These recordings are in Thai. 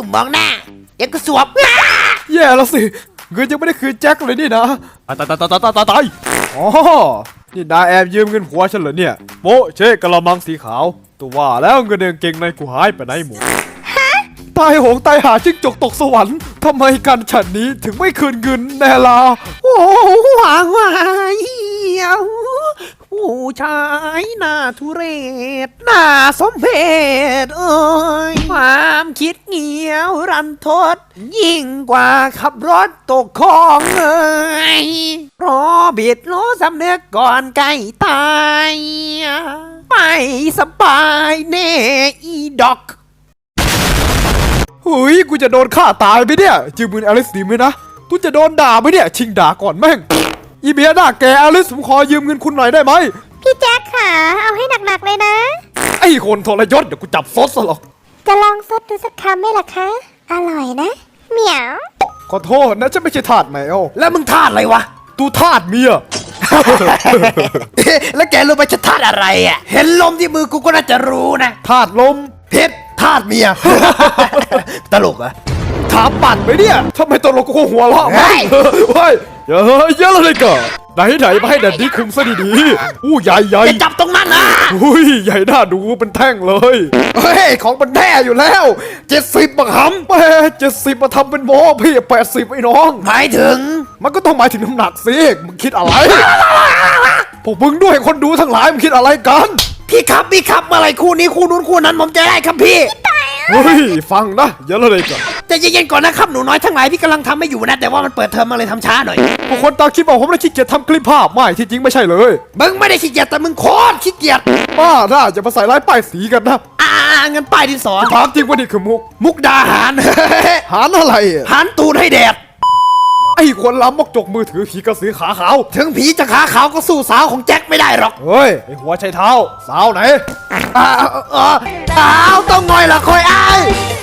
มองหน้าเดี๋ยวก็สวบแย่แล้วสิเงินยังไม่ได้คืนแจ็คเลยนี่นะตายอ๋อนี่นายแอบยืมเงินผัวฉันเหรอเนี่ยโป๊ะเช่กะละมังสีขาวตัวว่าแล้วเงินเก่งในกูหายไปไหนหมดตายโหงตายหาจิ้งจกตกสวรรค์ทำไมกันฉันนี้ถึงไม่คืนเงินแน่ล่ะโอ้หวางวายผู้ชายหน้าทุเรศหน้าสมเพชเอ้ยความคิดเงียวรันทดยิ่งกว่าขับรถตกคลองเอ้ยรอบิดรู้สำเนึกก่อนใกล้ตายไม่สบายแน่อีดอกเฮ้ยกูจะโดนฆ่าตายไปเนี่ยจืมมืออลิสดีไหมนะกูจะโดนด่าไปเนี่ยชิงด่าก่อนแม่งอีเมียหน้าแกอลิสผมขอยืมเงินคุณหน่อยได้ไหมพี่แจ็คค่ะเอาให้หนักๆเลยนะไอ้คนทรยศเดี๋ยวกูจับซดซะหรอกจะลองซดดูสักคำไหมล่ะคะอร่อยนะเหมียวขอโทษนะฉันไม่ใช่ทาสแมวแล้วมึงทาสอะไรวะตูทาสเมียแล้วแกรู้ไหมจะทาสอะไรอ่ะเห็นลมที่มือกูก็น่าจะรู้นะทาสลมเพชรทาสเมีย ตลกอะถามปั่นไหมเนี่ยทำไมตลกกูหัวเราะเฮ้ยเยอะเลยก่อนไหนมาให้แดดดี้คุมซะดีๆอู้ใหญ่จะจับตรงนั้นนะอุ้ยใหญ่น่าดูเป็นแท่งเลยเฮ้ยของมันแท้อยู่แล้ว70บังหำแม่70มาทำเป็นโม้พี่80ไอ้น้องหมายถึงมันก็ต้องหมายถึงน้ำหนักสิมึงคิดอะไรพวกมึงด้วยคนดูทั้งหลายมึงคิดอะไรกันพี่ครับอะไรคู่นี้คู่นู้นคู่นั้นผมจะได้ครับพี่เฮ้ยฟังนะเยอะเลยก่อนจะเย็นๆก่อนนะครับหนูน้อยทั้งหลายพี่กำลังทำไม่อยู่นะแต่ว่ามันเปิดเทอมมาเลยทำช้าหน่อยพวกคนตาคิดบอกผมไม่ขี้เกียจทำคลิปภาพไม่ที่จริงไม่ใช่เลยมึงไม่ได้ขี้เกียจแต่มึงโคตรขี้เกียจบ้าน่าจะมาใส่ร้ายป้ายสีกันนะงั้นป้ายดินสอถามจริงว่านี่คือมุกดาหารหารอะไรหารตูดให้แดดไอ้คนล้ำมกจกมือถือผีกระสือขาขาวถึงผีจะขาขาวก็สู้สาวของแจ็คไม่ได้หรอกเฮ้ยไอ้หัวไชเท้าสาวไหนสาวต้องงอยละคอยอ้าย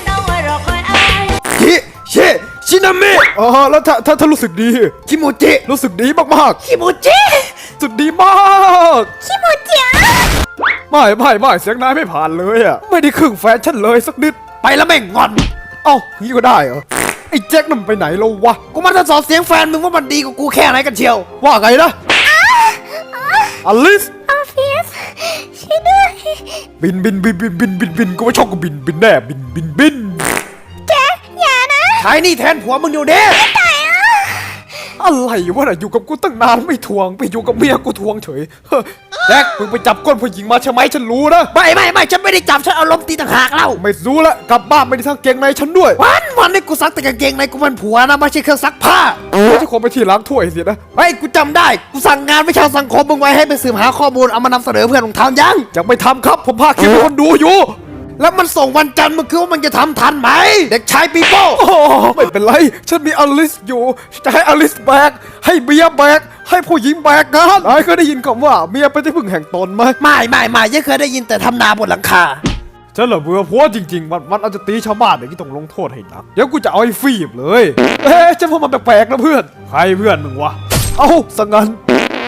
ชินามิแล้วถ้ารู้สึกดีคิมูจิรู้สึกดีมากๆคิมูจิสุดดีมากคิมูจิไม่เสียงนายไม่ผ่านเลยอ่ะไม่ได้ครึ่งแฟชั่นเลยสักนิดไปแล้วแม่งงอนเอ้างี้ก็ได้เหรอไอ้แจ็คนั่นไปไหนแล้ววะกูมาทดสอบเสียงแฟนมึงว่ามันดีกว่ากูแค่ไหนกันเชียวว่าไงนะอลิสออฟฟิศช่วยด้วยบินกูไม่ชอบกูบินแน่บินแจ็คอย่านะใช้นี่แทนผัวมึงอยู่เด้อะไรวะน่ะอยู่กับกูตั้งนานไม่ทวงไปอยู่กับเมียกูทวงเฉยแจ็คมึงไปจับก้นผู้หญิงมาใช่ไหมฉันรู้นะไม่ฉันไม่ได้จับฉันเอาล้มตีต่างหากเล่าไม่รู้ละกลับบ้านไม่ได้ซักเกงในฉันด้วยวันนี้กูซักแต่กางเกงในกูมันผัวนะไม่ใช่เครื่องซักผ้าไม่ใช่คนไปที่ล้างถ้วยสินะไอ้กูจำได้กูสั่งงานวิชาสังคมมึงไว้ให้ไปสืบหาข้อมูลเอามานำเสนอเพื่อนของทางยังไม่ทำครับผมพาคลิปให้คนดูอยู่แล้วมันส่งวันจันทร์มึงคิดว่ามันจะทำทันไหมเด็กชายปีโป้ไม่เป็นไรฉันมีอลิสอยู่จะให้อลิสแบกให้เบียแบกให้ผู้หญิงแบกงานไอ้เคยได้ยินคำว่าเมียเป็นที่พึ่งแห่งตนไหมไม่ยังเคยได้ยินแต่ทำนาบนหลังคาฉันเหรอเบื่อผัวจริงๆวันอาจจะตีชาวบ้านอย่างนี้ต้องลงโทษให้หนักเดี๋ยวกูจะเอาไอ้ฟีบเลยฉันพวกมันแปลกๆนะเพื่อนใครเพื่อนมึงวะเอ้าสังกัน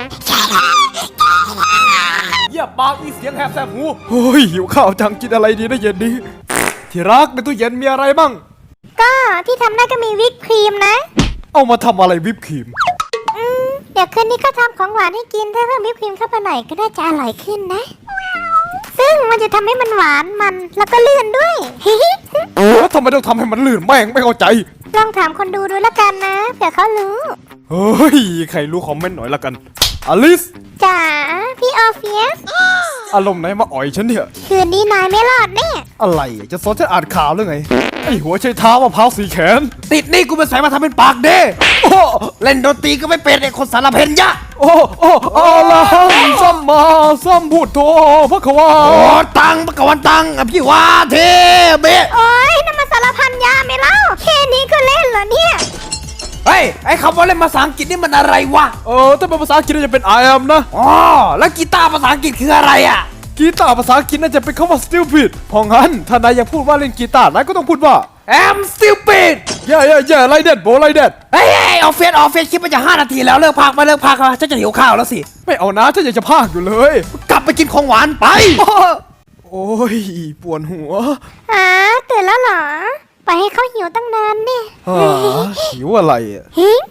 อย่าปากมีเสียงแหบแสบหูเฮ้ยหิวข้าวจังกินอะไรดีนะเย็นนี้ที่รักในตู้เย็นมีอะไรบ้างก็ที่ทำได้ก็มีวิปครีมนะเอามาทำอะไรวิปครีมเดี๋ยวคืนนี้ก็ทำของหวานให้กินถ้าเพิ่มวิปครีมเข้าไปหน่อยก็น่าจะอร่อยขึ้นนะซึ่งมันจะทำให้มันหวานมันแล้วก็ลื่นด้วยแล้วทำไมต้องทำให้มันลื่นแม่งไม่เข้าใจลองถามคนดูดูแล้วกันนะเผื่อเขารู้เฮ้ยใครรู้คอมเมนต์หน่อยละกันอลิสจ๋าพี่ออฟฟิศอารมณ์ไหนมาอ่อยฉันเนี่ยคืนนี้นายไม่รอดแน่อะไรจะสอนฉันอ่านข่าวหรือไงไอหัวใช้เท้ามะพร้าวสีแขนติดนี่กูไปใส่มาทำเป็นปากเด้เล่นดนตรีก็ไม่เป็นไอคนสารเพนยะอะละหังซัมมาซัมพุทโธพระควาตังพระกวันตังอภิวาเทเบะโอ้ยนั่นมาสารพันยาไม่เล่าแค่นี้ก็เล่นเหรอเนี่ยเฮ้ยไอคำว่าเล่นภาษาอังกฤษนี่มันอะไรวะถ้าเป็นภาษาอังกฤษจะเป็น I am นะแล้วกีตาร์ภาษาอังกฤษคืออะไรอ่ะกีตาร์ภาษาอังกฤษน่าจะเป็นคำว่า stupid เพราะงั้นถ้านายอยากพูดว่าเล่นกีตาร์นายก็ต้องพูดว่า I'm stupid yeah like that bro like that เฮ้ยออฟฟิศคลิปมันจะ5 นาทีแล้วเลิกพากฉันจะหิวข้าวแล้วสิไม่เอานะฉันอยากจะพากอยู่เลยกลับไปกินของหวานไปโอ้ยปวดหัวตื่นแล้วเหรอไปให้เขาหิตั้งนานเนี่ยหิวอะไรอ่ะหิง